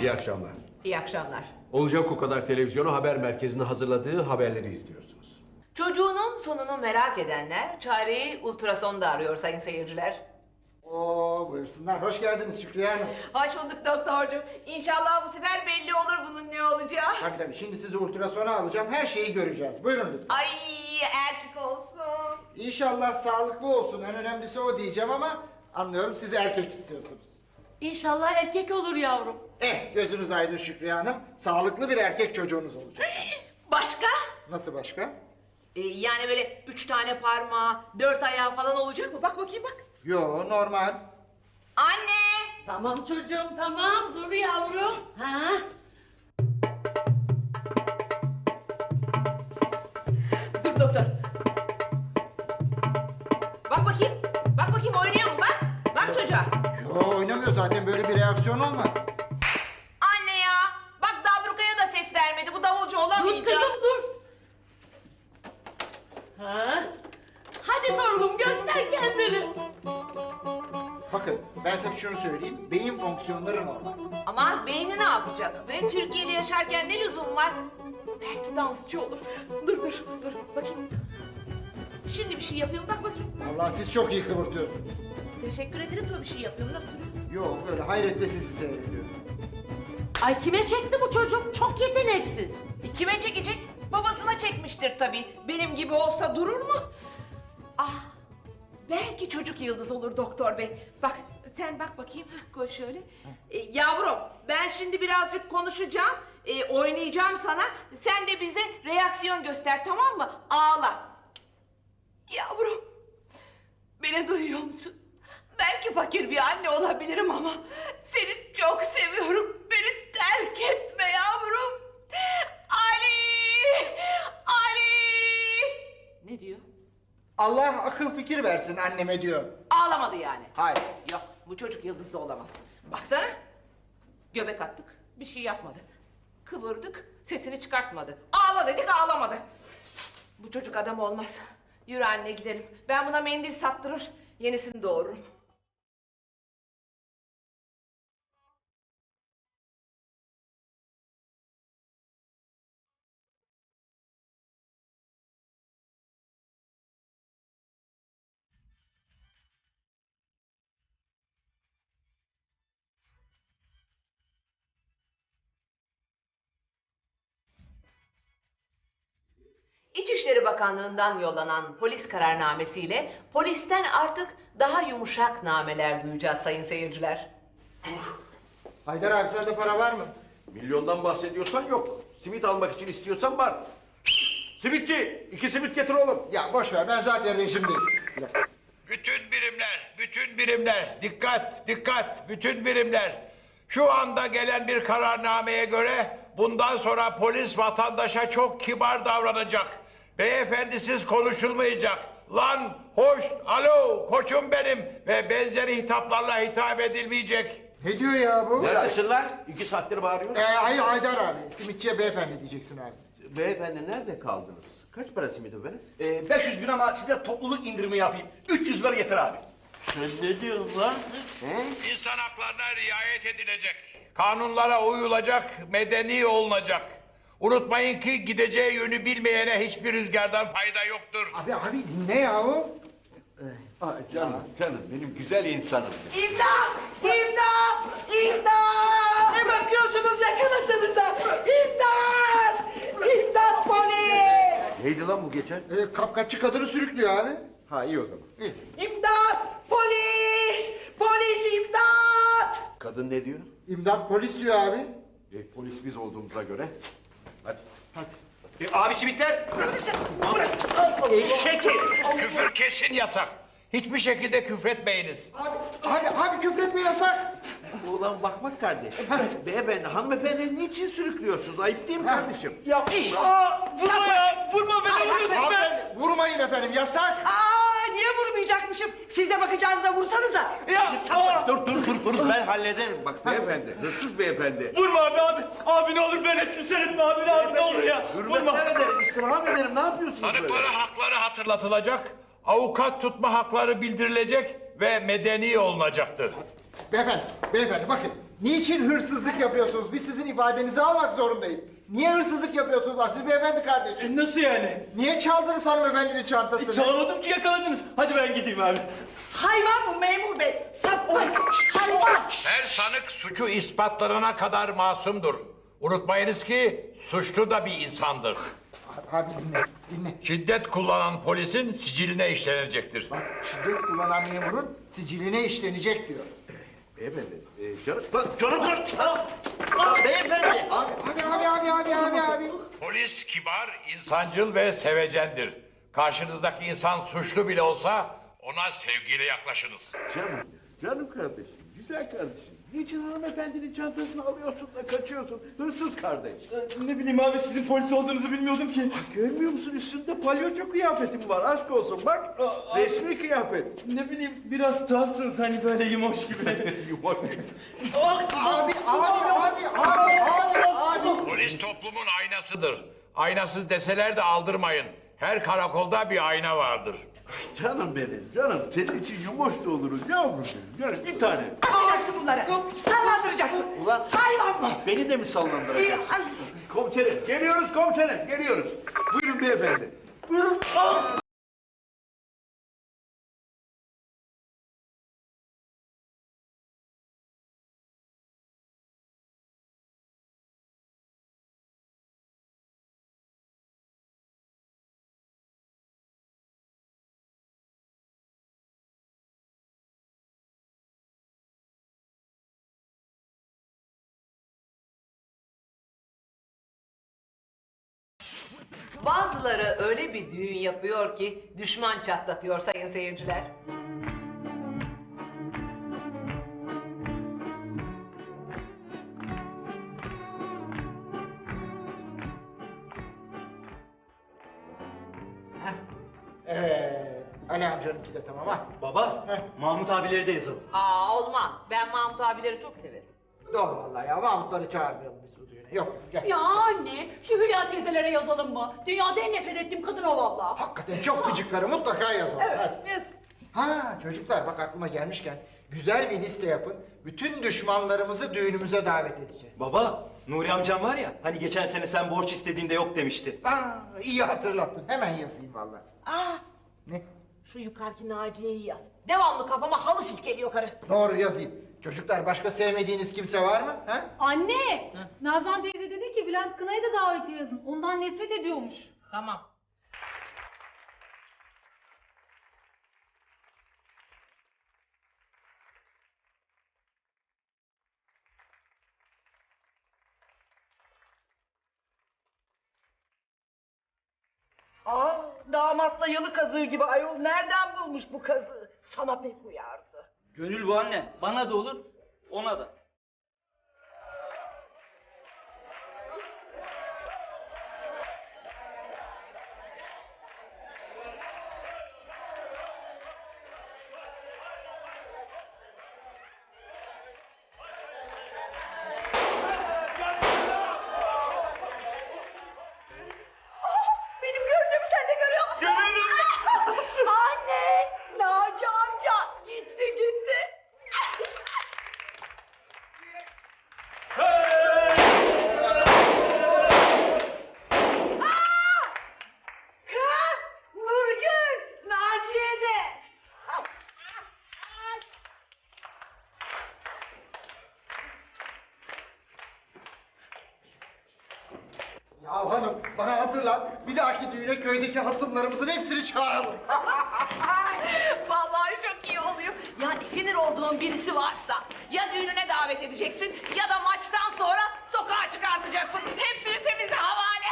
İyi akşamlar. İyi akşamlar. Olacak o kadar televizyonu haber merkezinin hazırladığı haberleri izliyorsunuz. Çocuğunun sonunu merak edenler çareyi ultrasonda arıyor sayın seyirciler. Oo, buyursunlar. Hoş geldiniz Şükriye Hanım. Hoş bulduk doktorcuğum. İnşallah bu sefer belli olur bunun ne olacağı. Tabii tabii. Şimdi sizi ultrasona alacağım. Her şeyi göreceğiz. Buyurun lütfen. Ay erkek olsun. İnşallah sağlıklı olsun. En önemlisi o diyeceğim ama anlıyorum siz erkek istiyorsunuz. İnşallah erkek olur yavrum. Gözünüz aydın Şükriye Hanım. Sağlıklı bir erkek çocuğunuz olacak. Başka? Nasıl başka? Yani böyle 3 tane parmağı, 4 ayağı falan olacak mı? Bak bakayım bak. Yo, normal. Anne! Tamam çocuğum tamam dur yavrum. Ha? Dur doktor. Bak bakayım. Bak bakayım oynuyor mu bak. Bak çocuğa. Yo, oynamıyor zaten. Böyle bir reaksiyon olmaz. Anne ya. Bak Dabruka'ya da ses vermedi. Bu davulcu olamayacak. Dur kızım dur. Ha? Hadi torunum göster kendini. Bakın, ben size şunu söyleyeyim. Beyin fonksiyonları normal. Ama beyni ne yapacak? Ve Türkiye'de yaşarken ne lüzum var? Belki dansçı olur. Dur bakayım. Şimdi bir şey yapıyorum bak bakayım. Vallahi siz çok iyi kıvırtıyorsunuz. Teşekkür ederim de bir şey yapıyorum. Nasıl? Yo, böyle hayretle sizi seyrediyorum. Ay kime çekti bu çocuk? Çok yeteneksiz. Kime çekecek? Babasına çekmiştir tabii. Benim gibi olsa durur mu? Ah, belki çocuk yıldız olur doktor bey. Bak, sen bak bakayım. Koy şöyle. Yavrum, ben şimdi birazcık konuşacağım. Oynayacağım sana. Sen de bize reaksiyon göster, tamam mı? Ağla. Yavrum, beni duyuyor musun? Belki fakir bir anne olabilirim ama seni çok seviyorum. Beni terk etme yavrum. Ali! Ali! Ne diyor? Allah akıl fikir versin anneme diyor. Ağlamadı yani. Hayır. Yok, bu çocuk yıldızlı olamaz. Baksana. Göbek attık, bir şey yapmadı. Kıvırdık, sesini çıkartmadı. Ağla dedik, ağlamadı. Bu çocuk adam olmaz. Yürü anne gidelim. Ben buna mendil sattırır, yenisini doğururum. İçişleri Bakanlığı'ndan yollanan polis kararnamesiyle polisten artık daha yumuşak nameler duyacağız sayın seyirciler. Haydar abi sende para var mı? Milyondan bahsediyorsan yok. Simit almak için istiyorsan var. Simitçi, 2 simit getir oğlum. Ya boş ver, ben zaten rejimdeyim. Bir dakika. Bütün birimler, dikkat, bütün birimler. Şu anda gelen bir kararnameye göre bundan sonra polis vatandaşa çok kibar davranacak. Beyefendisiz konuşulmayacak. Lan, hoş, alo, koçum benim ve benzeri hitaplarla hitap edilmeyecek. Ne diyor ya bu? Neredesinler? 2 saattir bağırıyor. Hayır Haydar abi, simitçiye beyefendi diyeceksin abi. Beyefendi nerede kaldınız? Kaç para simit efendim? 500 bin ama size topluluk indirimi yapayım. 300 ver yeter abi. Sen ne diyorsun lan? He? İnsan haklarına riayet edilecek. Kanunlara uyulacak, medeni olunacak. Unutmayın ki gideceği yönü bilmeyene hiçbir rüzgardan fayda yoktur. Abi dinle yahu. Canım benim güzel insanım. İmdat! İmdat! İmdat! Ne bakıyorsunuz yakalasanıza? İmdat! İmdat polis! Neydi lan bu geçen? Kapkaççı kadını sürüklüyor abi. Ha iyi o zaman. İyi. İmdat! Polis! Polis imdat! Kadın ne diyor? İmdat polis diyor abi. Polis biz olduğumuza göre. Hadi. Abi simitler. Küfür kesin yasak. Hiçbir şekilde küfretmeyiniz. Abi küfretme yasak. Ulan bakmak kardeş. Beyefendi, hanımefendi niçin sürüklüyorsunuz? Ayıp değil mi kardeşim? Ya vurma ya. Vurma beni vuruyorsun be. Hanımefendi, vurmayın efendim yasak. Niye vurmayacakmışım? Siz de bakacağınıza vursanıza. Dur ben hallederim. Bak beyefendi, hırsız beyefendi. Vurma abi. Abi ne olur beni küser etme abi ne olur ya. Hürmetler Vurma. ederim, istirham ederim. Ne yapıyorsunuz böyle? Tanıklara hakları hatırlatılacak, avukat tutma hakları bildirilecek ve medeni olunacaktır. Beyefendi bakın. Niçin hırsızlık yapıyorsunuz? Biz sizin ifadenizi almak zorundayız. Niye hırsızlık yapıyorsunuz Aziz Beyefendi kardeşim? Nasıl yani? Niye çaldınız hanımefendinin çantasını? Çalamadım ki, yakaladınız. Hadi ben gideyim abi. Hayvan bu memur bey. Hayvan. Her sanık suçu ispatlanana kadar masumdur. Unutmayınız ki suçlu da bir insandır. Abi dinle. Şiddet kullanan polisin siciline işlenecektir. Bak şiddet kullanan memurun siciline işlenecek diyor. Beyefendi, canım. Beyefendi. Abi. Polis kibar, insancıl ve sevecendir. Karşınızdaki insan suçlu bile olsa ona sevgiyle yaklaşınız. Canım kardeşim, güzel kardeşim. Niçin hanımefendinin çantasını alıyorsun da kaçıyorsun? Hırsız kardeş. Ne bileyim abi, sizin polis olduğunuzu bilmiyordum ki. Görmüyor musun üstünde palyaço kıyafetim var, aşk olsun bak. Resmi kıyafet. Ne bileyim, biraz tuhafsınız hani, böyle yumoş gibi. Yumak. Abi. Polis toplumun aynasıdır. Aynasız deseler de aldırmayın. Her karakolda bir ayna vardır. Canım benim, canım. Senin için yumuş da oluruz yavrum benim. Yani bir tane. Asacaksın bunları. Sallandıracaksın. Ulan. Hayvan mı? Beni de mi sallandıracaksın? Ay. Komiserim, geliyoruz komiserim, geliyoruz. Buyurun beyefendi. Buyurun. Bazıları öyle bir düğün yapıyor ki düşman çatlatıyor sayın seyirciler. Evet. Ali amcanınki de tamam ha. Baba, Mahmut abileri de yazalım. Olmaz. Ben Mahmut abileri çok severim. Doğru vallahi ya. Mahmutları çağırmayalım biz bu düğüne. Yok gel. Ya anne, şu Hülya teyzelere yazalım mı? Dünyada en nefret ettiğim kadın o valla. Hakikaten çok gıcıkları mutlaka yazalım. Hadi. Yes. Ha çocuklar bak aklıma gelmişken güzel bir liste yapın. Bütün düşmanlarımızı düğünümüze davet edeceğiz. Baba, Nuri amcam var ya, hani geçen sene sen borç istediğinde yok demişti. İyi hatırlattın. Hemen yazayım vallahi. Ne? Şu yukarıki Naciye'yi yaz. Devamlı kafama halı silkeliyor karı. Doğru yazayım. Çocuklar başka sevmediğiniz kimse var mı? Ha? Anne, Nazan teyze dedi ki Bülent Kınay'ı da davetiye yazın. Ondan nefret ediyormuş. Tamam. Damatla yalı kazığı gibi ayol nereden bulmuş bu kazığı? Sana pek uyardı. Gönül bu anne, bana da olur, ona da. Benim gördüğümü sen de görüyor musun? Görüyorum. Anne! Naci amca gitti. Kız! Nurgül! Naciye de! Ya hanım bana hatırlat. Bir dahaki düğüne köydeki hasımlarımızın hepsini çağıralım. Vallahi çok iyi oluyor. Ya sinir olduğun birisi varsa ya düğününe davet edeceksin ya da maçtan sonra sokağa çıkartacaksın. Hepsini temize havale.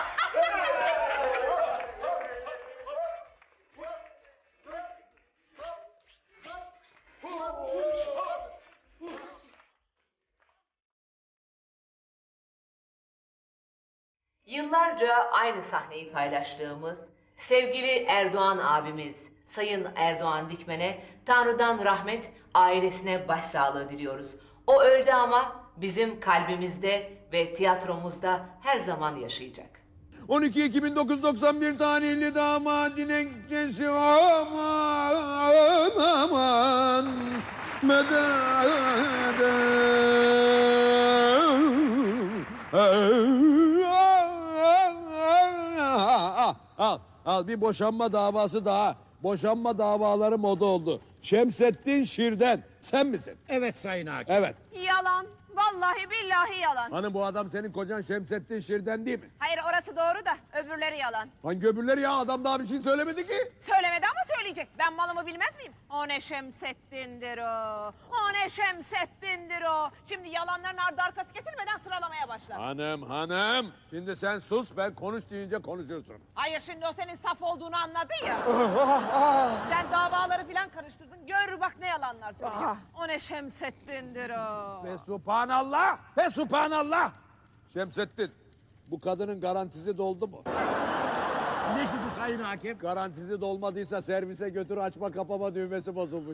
Yıllarca aynı sahneyi paylaştığımız sevgili Erdoğan abimiz Sayın Erdoğan Dikmen'e Tanrı'dan rahmet, ailesine başsağlığı diliyoruz. O öldü ama bizim kalbimizde ve tiyatromuzda her zaman yaşayacak. 12 Ekim 1991 tarihli damadın enkesi aman aman Al bir boşanma davası daha. Boşanma davaları moda oldu. Şemsettin Şirden. Sen misin? Evet Sayın Hakim. Evet. Yalan. Vallahi billahi yalan. Hanım bu adam senin kocan Şemsettin Şirden değil mi? Hayır orası doğru da öbürleri yalan. Hangi öbürleri ya? Adam daha bir şey söylemedi ki. Söylemedi ama söyleyecek. Ben malımı bilmez miyim? O ne Şemsettin'dir o. O ne Şemsettin'dir o. Şimdi yalanların ardı arkası kesilmeden sıralamaya başla. Hanım. Şimdi sen sus, ben konuş deyince konuşursun. Hayır şimdi o senin saf olduğunu anladı ya. Sen davaları filan karıştırdın. Gör bak ne yalanlar söyleyecek. O ne Şemsettin'dir o. Ve subhanallah. Şemsettin, bu kadının garantisi doldu mu? Ne gibi Sayın Hakim? Garantisi dolmadıysa servise götür, açma kapama düğmesi bozulmuş.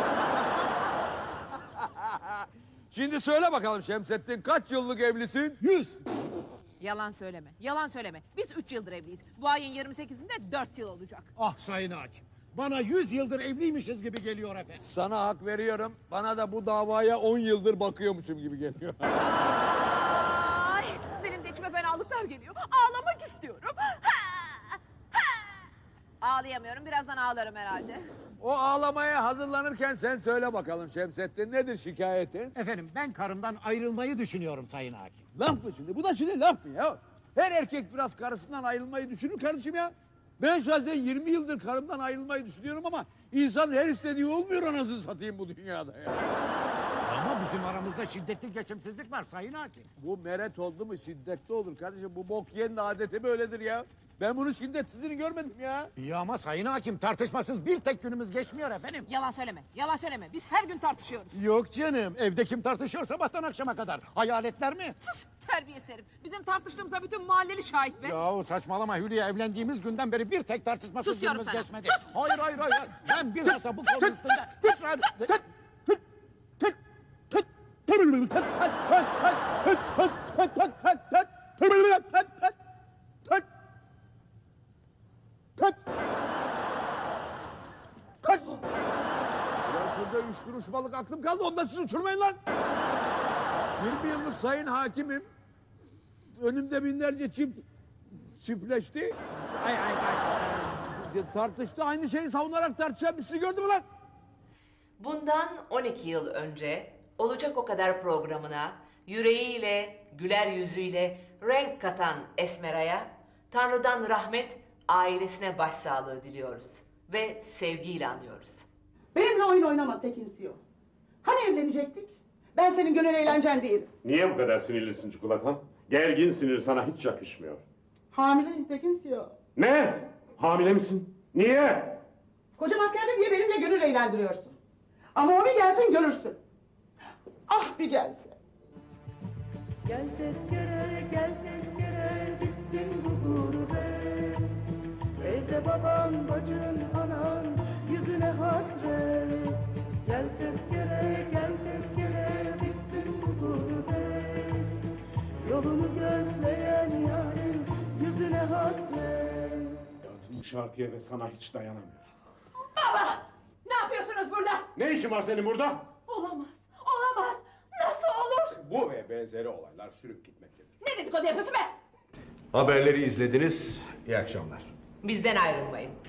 Şimdi söyle bakalım Şemsettin, kaç yıllık evlisin? 100. Yalan söyleme. Yalan söyleme. Biz 3 yıldır evliyiz. Bu ayın 28'inde 4 yıl olacak. Ah Sayın Hakim. Bana 100 yıldır evliymişiz gibi geliyor efendim. Sana hak veriyorum, bana da bu davaya 10 yıldır bakıyormuşum gibi geliyor. Ay, benim de içime fenalıklar geliyor. Ağlamak istiyorum. Ağlayamıyorum. Birazdan ağlarım herhalde. O ağlamaya hazırlanırken sen söyle bakalım Şemsettin, nedir şikayetin? Efendim ben karımdan ayrılmayı düşünüyorum Sayın Hakim. Laf mı şimdi? Bu da şimdi laf mı ya? Her erkek biraz karısından ayrılmayı düşünür kardeşim ya. Ben şahsen 20 yıldır karımdan ayrılmayı düşünüyorum ama insan her istediği olmuyor, anasını satayım bu dünyada ya. Ama bizim aramızda şiddetli geçimsizlik var Sayın Hakim. Bu meret oldu mu şiddetli olur kardeşim. Bu bok yiyenin adeti böyledir ya. Ben bunun şiddetsizliğini görmedim ya. İyi ama Sayın Hakim tartışmasız bir tek günümüz geçmiyor efendim. Yalan söyleme. Yalan söyleme. Biz her gün tartışıyoruz. Yok canım evde kim tartışıyor sabahtan akşama kadar? Hayaletler mi? Sus terbiyesiz herif. Bizim tartıştığımıza bütün mahalleli şahit be. Yahu saçmalama Hülya evlendiğimiz günden beri bir tek tartışmasız Sus diyorum günümüz sana. geçmedi. Sus! Hayır. Ben bilhassa bu konu üstünde ısrar... Ya şurada 3 kuruş balık aklım kaldı, ondan siz uçurmayın lan. 20 yıllık sayın hakimim. Önümde binlerce çiftleşti. Ay. Tartıştı, aynı şeyi savunarak tartışan sizi gördü mü lan? Bundan 12 yıl önce Olacak O Kadar programına yüreğiyle, güler yüzüyle renk katan Esmera'ya Tanrı'dan rahmet, ailesine başsağlığı diliyoruz ve sevgiyle anıyoruz. Benimle oyun oynama Tekinsiyo. Hani evlenecektik? Ben senin gönül eğlencen değilim. Niye bu kadar sinirlisin çikolatam? Gergin sinir sana hiç yakışmıyor. Hamileyim Tekinsiyo. Ne? Hamile misin? Niye? Kocam askerde diye benimle gönül eğlendiriyorsun. Ama o bir gelsin görürsün. Ah bir gelse. Gel tezkere bitsin bu gurbet. Evde baban, bacın, anan yüzüne hasret. Gel tezkere bitsin bu gurbet. Yolunu gözleyen yarın yüzüne hasret. Bu şarkıya ve sana hiç dayanamıyorum. Baba! Ne yapıyorsunuz burada? Ne işin var senin burada? Olamaz. Nasıl olur? Bu ve benzeri olaylar sürüp gitmektedir. Ne dedikodu yapıyorsun be? Haberleri izlediniz. İyi akşamlar. Bizden ayrılmayın.